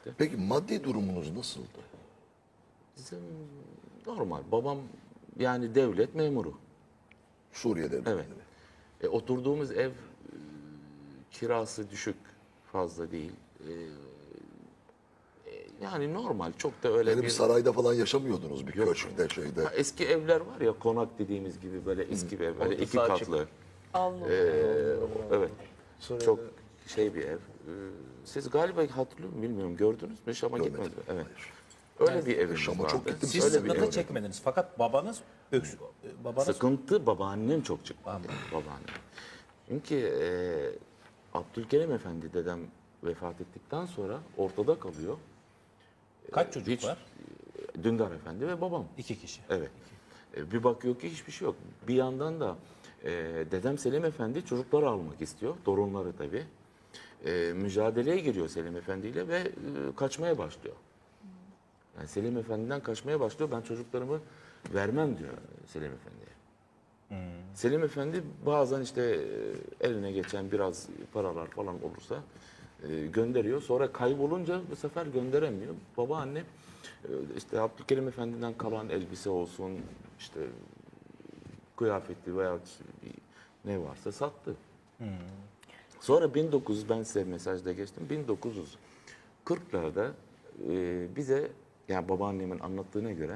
işte. Peki maddi durumunuz nasıldı? Bizim normal. Babam yani devlet memuru. Suriye'de. Evet. Oturduğumuz ev kirası düşük, fazla değil. Yani normal, çok da öyle Yani bir bir... sarayda falan yaşamıyordunuz bir Yok. köşkte şeyde. Ha, eski evler var ya, konak dediğimiz gibi böyle eski bir ev, böyle Orta iki sağ katlı. Allah. Evet, Sonra çok şey bir ev. Siz galiba hatırlıyor musunuz bilmiyorum, gördünüz mü? Şam'a Görmedim. gitmediniz mi? Evet. Hayır. Öyle bir evimiz Şam'a vardı. çok gittim. siz Öyle bir sıkıntı ev. çekmediniz. Fakat babanız babanız Sıkıntı babaannem çok çıktı. Babaannem. Çünkü Abdülkerim Efendi dedem vefat ettikten sonra ortada kalıyor. kaç çocuk Hiç, var? Dündar Efendi ve babam. 2 kişi. Evet. Bir bakıyor ki hiçbir şey yok. Bir yandan da dedem Selim Efendi çocukları almak istiyor. Torunları tabii. Mücadeleye giriyor Selim Efendi ile ve kaçmaya başlıyor. Yani Selim Efendi'den kaçmaya başlıyor. Ben çocuklarımı vermem diyor Selim Efendi'ye. Selim Efendi bazen işte eline geçen biraz paralar falan olursa gönderiyor. Sonra kaybolunca bu sefer gönderemiyor. Babaannem işte Abdülkerim Efendi'den kalan elbise olsun, işte kıyafeti veya ne varsa sattı. Sonra 1900, ben size mesajda geçtim, 1940'larda bize, yani babaannemin anlattığına göre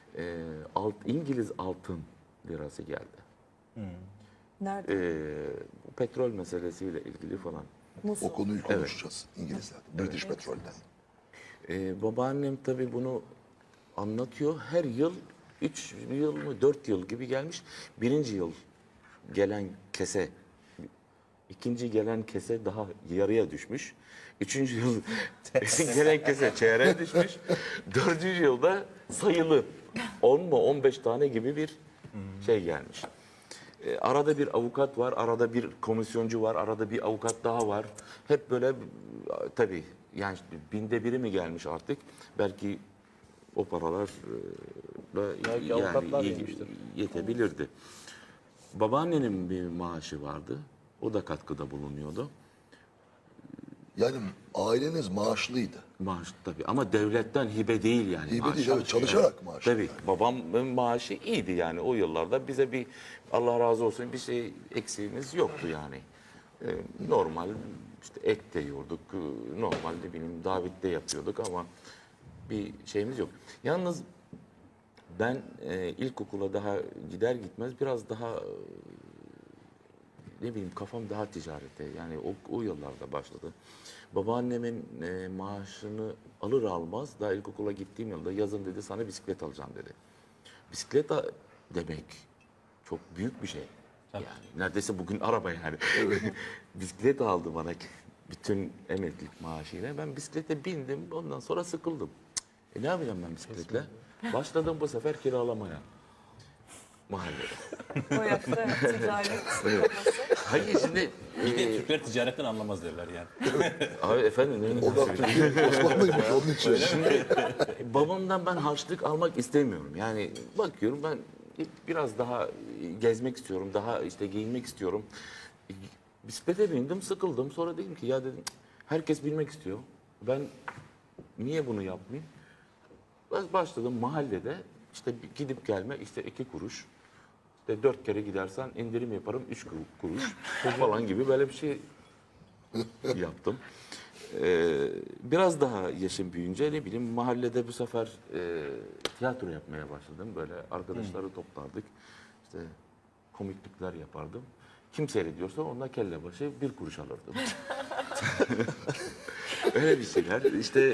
İngiliz altın lirası geldi. Nerede? Bu petrol meselesiyle ilgili falan. Musul. O konuyu konuşacağız İngilizlerden. British Petrol'den. Babaannem tabii bunu anlatıyor. Her yıl 3 yıl mı 4 yıl gibi gelmiş. Birinci yıl gelen kese, ikinci gelen kese daha yarıya düşmüş. Üçüncü yıl gelen kese çeyreğe düşmüş. Dördüncü yılda sayılı 10 mu 15 tane gibi bir şey gelmiş. Arada bir avukat var, arada bir komisyoncu var, arada bir avukat daha var. Hep böyle tabii yani işte binde biri mi gelmiş artık? Belki o paralar Belki avukatlar iyi yemiştir. yetebilirdi. Babaannenin bir maaşı vardı. O da katkıda bulunuyordu. Yani aileniz maaşlıydı. Maaş tabii ama devletten hibe değil yani. Hibe maaş. değil, evet, çalışarak maaş. Tabii babamın maaşı iyiydi yani o yıllarda, bize bir Allah razı olsun bir şey eksiğimiz yoktu yani. Normal işte et de yiyorduk, normal ne bileyim davet de yapıyorduk ama bir şeyimiz yok. Yalnız ben ilkokula daha gider gitmez biraz daha ne bileyim kafam daha ticarete, yani o yıllarda başladı. Babaannemin maaşını alır almaz daha ilkokula gittiğim yılda yazın dedi sana bisiklet alacağım dedi. Bisiklet demek çok büyük bir şey. Yani neredeyse bugün araba yani. Bisiklet aldı bana bütün emeklilik maaşıyla. Ben bisiklete bindim, ondan sonra sıkıldım. Ne yapacağım ben bisikletle? Başladım bu sefer kiralamaya. Mahallede. O yaşta ticaret kafası. Hayır şimdi Türkler ticaretten anlamaz derler yani. abi efendim ne O da Türkiye Osmanlıymış onun için. şimdi babamdan ben harçlık almak istemiyorum. Yani bakıyorum ben biraz daha gezmek istiyorum, daha işte giyinmek istiyorum. Bisiklete bindim, sıkıldım. Sonra dedim ki ya dedim herkes bilmek istiyor. Ben niye bunu yapmayayım? Başladım mahallede işte gidip gelme işte 2 kuruş. İşte 4 kere gidersen indirim yaparım 3 kuruş falan gibi böyle bir şey yaptım. Biraz daha yaşım büyüyünce ne bileyim mahallede bu sefer tiyatro yapmaya başladım. Böyle arkadaşları toplardık. İşte komiklikler yapardım. Kim seyrediyorsa onunla kelle başı 1 kuruş alırdım. Öyle bir şeyler. İşte